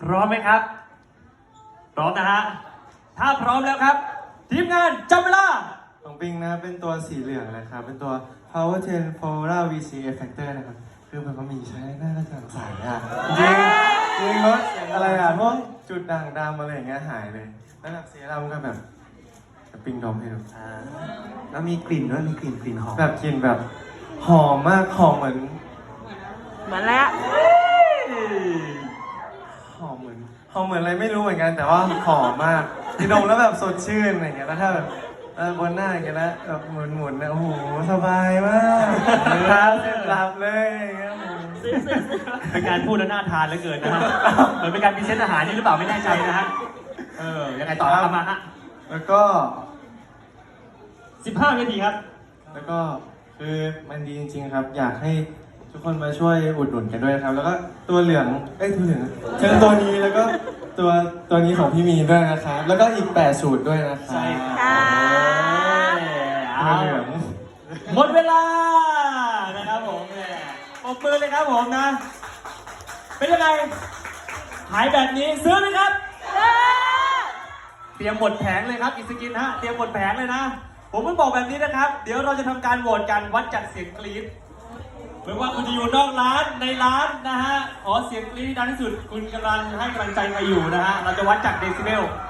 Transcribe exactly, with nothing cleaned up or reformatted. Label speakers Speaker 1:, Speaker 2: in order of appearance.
Speaker 1: พร้อมไหมครับพร้อมนะฮะถ้าพร้อมแล้วครับทีมงานจับเวลา
Speaker 2: ของปิงนะเป็นตัวสีเหลืองนะครับเป็นตัว Power สิบ Polar วี ซี Effector นะครับคือแบบว่ามีใช้หน้ากระจ่างใสอ่ะจริงจริงรถอะไรอ่ะพวกจุดด่างดำอะไรอย่างเงี้ยหายเลยแล้วแบบสีดำก็แบบปิงดมให้ดูอ่า
Speaker 3: แล้วมีกลิ่นด้วยมีกลิ่นกลิ่นหอม
Speaker 2: แบบกลิ่นแบบหอมมากหอมเหมือน
Speaker 4: เหมือนแล้ว
Speaker 2: หอมเหมือนหอมเหมือนอะไรไม่รู้เหมือนกันแต่ว่าหอมมากที่ดมแล้วแบบสดชื่นอะไรอย่างเงี้ยแล้วถ้าแบบเออบนหน้าอย่างเงี้ยแล้วแบบหมุนหมุนๆนะโอ้โหสบายมากครับเสร็จหลับเลยอย่างเงี้ย
Speaker 1: เป็นการพูดแล้วน่าทานเหลือเกินนะฮะเหมือนเป็นการพรีเซนต์อาหารนี่หรือเปล่าไม่แน่ใจนะฮะเออยังไงต่อครับมาฮะ
Speaker 2: แล้วก็
Speaker 1: สิบห้านาทีครับ
Speaker 2: แล้วก็คือมันดีจริงๆครับ อยากให้ทุกคนมาช่วยอุดหนุนกันด้วยนะครับ แล้วก็ตัวเหลืองเอ้ยตัวเหลืองเชิญตัวนี้แล้วก็ตัวตัวนี้ของพี่มีด้วยนะครับแล้วก็อีกแปดสูตรด้วยนะครับ
Speaker 1: ใช่ครับ
Speaker 4: ค่ะ
Speaker 2: ตัวเหลือง
Speaker 1: หมดเวลานะครับผมแหมปรบมือเลยครับผมนะ เป็นยังไงหายแบบนี้ซื้อไหมครับ เตรียมหมดแผงเลยครับอิสกินฮะเตรียมหมดแผงเลยนะ ผมเพิ่งบอกแบบนี้นะครับ เดี๋ยวเราจะทำการโหวตกันวัดจากเสียงกรี๊ดไม่ว่าคุณจะอยู่นอกร้านในร้านนะฮะขอเสียงกรี๊ดดังที่สุดคุณกำลังให้กำลังใจมาอยู่นะฮะเราจะวัดจากเดซิเบล